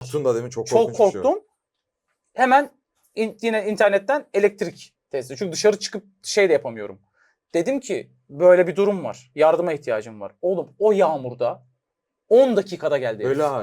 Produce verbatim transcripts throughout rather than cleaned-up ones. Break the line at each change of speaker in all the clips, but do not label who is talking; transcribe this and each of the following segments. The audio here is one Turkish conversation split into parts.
Korktun da değil mi? Çok,
Çok
korkunç bir şey.
korktum. Hemen in, yine internetten elektrik testi. Çünkü dışarı çıkıp şey de yapamıyorum. Dedim ki böyle bir durum var. Yardıma ihtiyacım var. Oğlum o yağmurda on dakikada geldi.
Öyle
herif.
hal.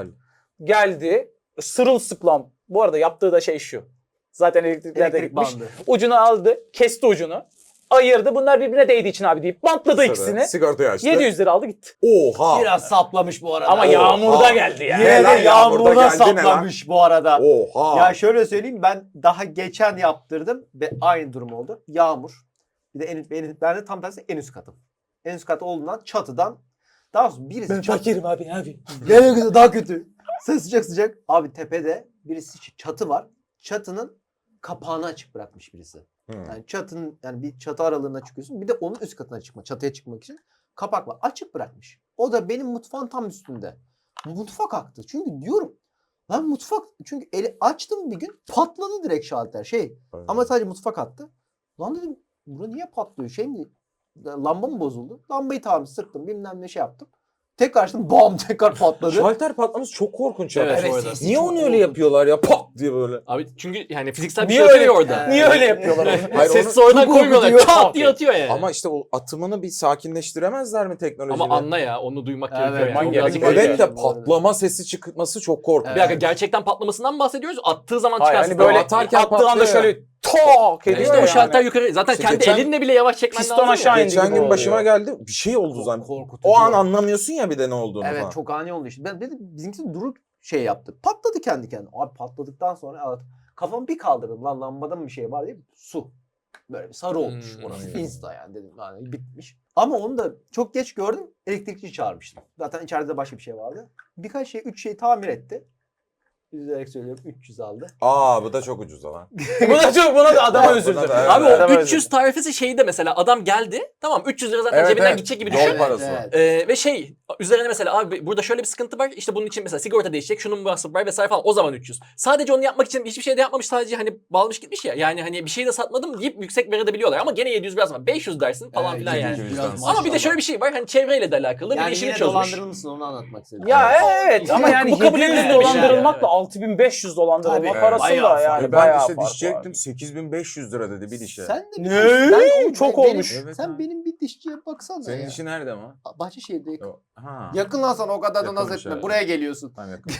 Geldi sırılsıklam. Bu arada yaptığı da şey şu. Zaten elektrikler de
Elektrik
gitmiş.
bandı.
Ucunu aldı. Kesti ucunu. Ayırdı. Bunlar birbirine değdiği için abi deyip bantladı
Sonra
ikisini.
Sigortayı açtı.
yedi yüz lira aldı gitti.
Oha.
Biraz saplamış bu arada.
Ama
Oha.
yağmurda geldi yani.
Yine de
Lan yağmurda
yağmurda
geldi ne lan?
saplamış bu arada.
Oha.
Ya şöyle söyleyeyim, ben daha geçen yaptırdım ve aynı durum oldu. Yağmur. Bir de en, en, ben de tam tersi en üst katım. En üst kat olduğundan çatıdan daha doğrusu birisi
Ben
çat-
fakirim abi abi.
Gene güzel, daha kötü. Ses sıcak sıcak. Abi tepede birisi ç- çatı var. Çatının kapağını açık bırakmış birisi.
Hmm.
Yani çatının yani bir çatı aralığına çıkıyorsun. Bir de onun üst katına çıkma, çatıya çıkmak için kapak var. Açık bırakmış. O da benim mutfağın tam üstünde. Mutfak aktı. Çünkü diyorum ben mutfak çünkü eli açtım bir gün patladı direkt şalter şey.
Aynen.
Ama sadece mutfak attı. Lan dedim bura niye patlıyor? Şey mi? Lamba mı bozuldu? Lambayı tamam sıktım bilmem ne şey yaptım. Tekrar açtım bam tekrar patladı.
Şalter patlaması çok korkunç ya.
Evet,
Evet,
bu arada.
sesi
Niye
çok
onu öyle
korkunç.
yapıyorlar ya? Pat diye böyle.
Abi çünkü yani fiziksel bir
Niye
şey
öyle
atıyor orada.
Ee,
Niye öyle yapıyorlar onu?
Hayır,
Sessiz
onu
oradan
çok
koymuyorlar.
korkutuyor.
Çat diye atıyor yani.
Ama işte o atımını bir sakinleştiremezler mi teknolojiyle?
Ama anla ya onu duymak
Evet,
gerekiyor
man
yani.
gerekiyor.
Birazcık
Evet
öyle.
de patlama sesi çıkması çok korkunç.
Bir dakika gerçekten patlamasından mı bahsediyoruz? Attığı zaman
Hayır
çıkarsın.
hani böyle
atarken
attığı anda
patlıyor
şöyle
ya.
tok
Yani
ediyor
işte
yani.
o şalter yukarı. Zaten
İşte
kendi
geçen-
elinle bile yavaş çekmen
Piston
lazım.
aşağı
ya.
indi
Geçen
gibi
gün
oluyor.
başıma geldi. Bir şey oldu zaten.
Korkutucu.
O an anlamıyorsun ya bir de ne olduğunu
Evet
falan.
çok ani oldu işte. Ben dedim bizimkisi duruk şey yaptı. Patladı kendi kendine. Abi patladıktan sonra evet, kafamı bir kaldırdım. Lan lambada mı bir şey var diye su. Böyle bir sarı olmuş
Hmm.
orası. Insta yani dedim yani bitmiş. Ama onu da çok geç gördüm. Elektrikçi çağırmıştım. Zaten içeride başka bir şey vardı. Birkaç şey, üç şey tamir etti. Üzülerek söylüyorum üç yüz aldı.
Aa bu da çok ucuz lan.
Buna çok buna da adama
Evet,
üzüldüm.
buna da, evet.
Abi
Adama
o üç yüz
üzüldüm.
tarifesi şeyde mesela adam geldi. Tamam üç yüz lira zaten
Evet,
cebinden
evet.
gidecek gibi
Yol
düşün.
parası var.
Ee, ve şey üzerine mesela abi burada şöyle bir sıkıntı var. İşte bunun için mesela sigorta değişecek. Şunun masrafı var vesaire falan. O zaman üç yüz. Sadece onu yapmak için hiçbir şey de yapmamış. Sadece hani bağlamış gitmiş ya. Yani hani bir şey de satmadım deyip yüksek verebiliyorlar. Ama gene yedi yüz biraz var. beş yüz dersin falan
Evet,
filan
yedi
yani.
yüz
Biraz
biraz
Ama bir de
maşallah.
şöyle bir şey var. Hani çevreyle de alakalı. bir de
Yani
işini
yine
çözmüş.
dolandırılmışsın onu anlatmak istedim.
Ya evet ama
Bu-
yani
bu kabul
yedi yüz
edilebilir bir şey
dolandırılmakla
yani.
altı bin beş yüz dolandırılma
Tabii,
parasıyla
bayağı
yani
ben
bayağı
işte
fark
dişçiydim
var.
sekiz bin beş yüz lira dedi bir dişe.
Sen de
Ne?
Ben-
Çok
benim-
olmuş.
Evet
sen
ha.
benim bir dişçiye baksana
Senin
ya.
dişi nerede ama?
Bahçeşehir'de yakın.
Ha.
Yakın lan sana o kadar da naz
Yakınmış,
etme.
evet.
Buraya geliyorsun.
Tamam, yakın.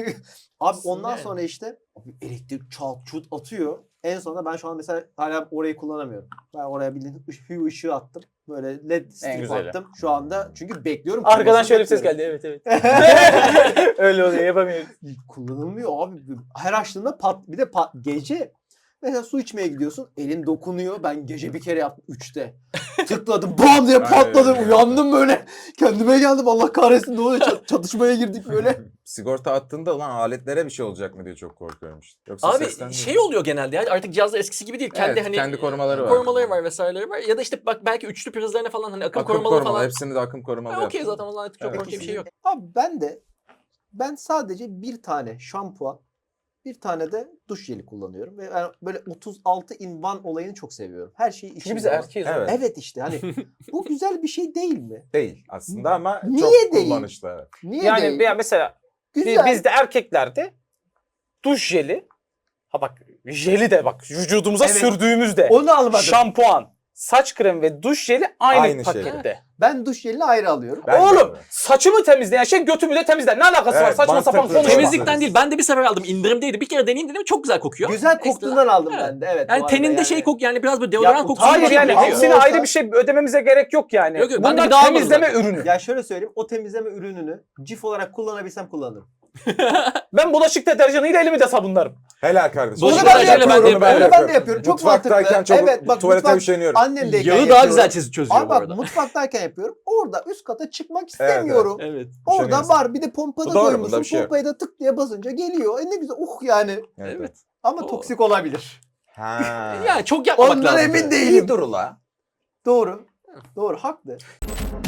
Abi ondan
Yani.
sonra işte abi elektrik çat çut atıyor. En sonunda ben şu an mesela hala orayı kullanamıyorum. Ben oraya bildiğin ış- hue ışığı attım. Böyle led strip
güzeli.
attım. Şu anda çünkü bekliyorum.
Arkadan
kullansın,
şöyle bir ses
bekliyorum.
geldi evet evet. Öyle oluyor yapamıyoruz.
Kullanılmıyor abi. Her açtığında pat bir de pat, gece mesela su içmeye gidiyorsun. Elin dokunuyor. Ben gece bir kere yaptım üçte. Tıkladım bam diye patladı.
Aynen.
Uyandım böyle. Kendime geldim. Allah kahretsin ne oluyor? Çat- çatışmaya girdik böyle.
Sigorta attığında lan aletlere bir şey olacak mı diye çok korkuyorum işte. Yoksa
Abi
sesten değil.
şey oluyor genelde ya artık cihazlar eskisi gibi değil. Kendi
Evet,
hani
kendi korumaları var.
korumaları var vesaireleri var. Ya da işte bak belki üçlü prizlerine falan hani akım,
akım
korumalı
korumalı
falan.
hepsini de akım korumalı
Ha, okey
yaptım.
zaten o zaman artık çok
Evet.
korkunç bir şey yok.
Abi ben de ben sadece bir tane şampuan, bir tane de duş jeli kullanıyorum. Ve ben böyle otuz altı in one olayını çok seviyorum. Her şeyi
Çünkü
işin
biz
zaman.
erkeğiz.
Evet.
Evet.
Evet işte hani bu güzel bir şey değil mi?
Değil aslında ama
Niye
çok
değil?
kullanışlı. Evet.
Niye
Yani
değil?
ya mesela
Güzel.
bizde erkeklerde duş jeli ha bak jeli de bak vücudumuza
Evet.
sürdüğümüzde
Onu almadım.
şampuan, saç kremi ve duş jeli aynı,
Aynı şey.
pakette.
Ben duş jelini ayrı alıyorum.
Ben de
Oğlum
öyle.
saçımı temizleyen şey götümü de temizler. Ne alakası var?
Evet,
Saçma sapan
mantıklı.
konuşma.
Temizlikten değil. Ben de bir sefer aldım. İndirimdeydi. Bir kere deneyeyim dedim. Çok güzel kokuyor.
Güzel
Ekstra.
koktuğundan aldım
Evet.
ben de. Evet. bu
Yani
arada
teninde
yani.
şey kok yani biraz böyle deodorant
Ya,
kokusu.
Hayır
gibi
yani
geliyor.
hepsine
Olsa-
ayrı bir şey ödememize gerek yok yani.
Yok, yok, ben de
Bunlar
bir daha almadım
temizleme
zaten.
ürünü.
Ya şöyle söyleyeyim. O temizleme ürününü cif olarak kullanabilsem kullanırım.
Ben bulaşık deterjanıyla elimi de sabunlarım.
Helal kardeşim.
Bulaşık
Onu ben de
deterjanıyla
yapıyorum.
ben de
Onu
yapıyorum.
ben de yapıyorum. Çok
Mutfaktayken
mantıklı.
çok
Evet bak
tuvalete
mutfak,
üşeniyorum.
annemdeyken
Yağı daha
yapıyorum.
güzel çiz- çözüyor
Abi
bu
bak
arada.
mutfaktayken yapıyorum. Orada üst kata çıkmak istemiyorum.
Evet.
Orada
Üşeniyorsun.
var bir de pompada
Bu doğru, bunda
koymuşsun.
bir şey yok.
Pompayı da tık diye basınca geliyor. E ne güzel. Uh yani.
Evet.
Ama
Oo.
toksik olabilir.
Ha.
Yani çok yapmamak
Ondan
lazım.
emin
İyi
değilim.
dur ula.
Doğru. Doğru. Haklı.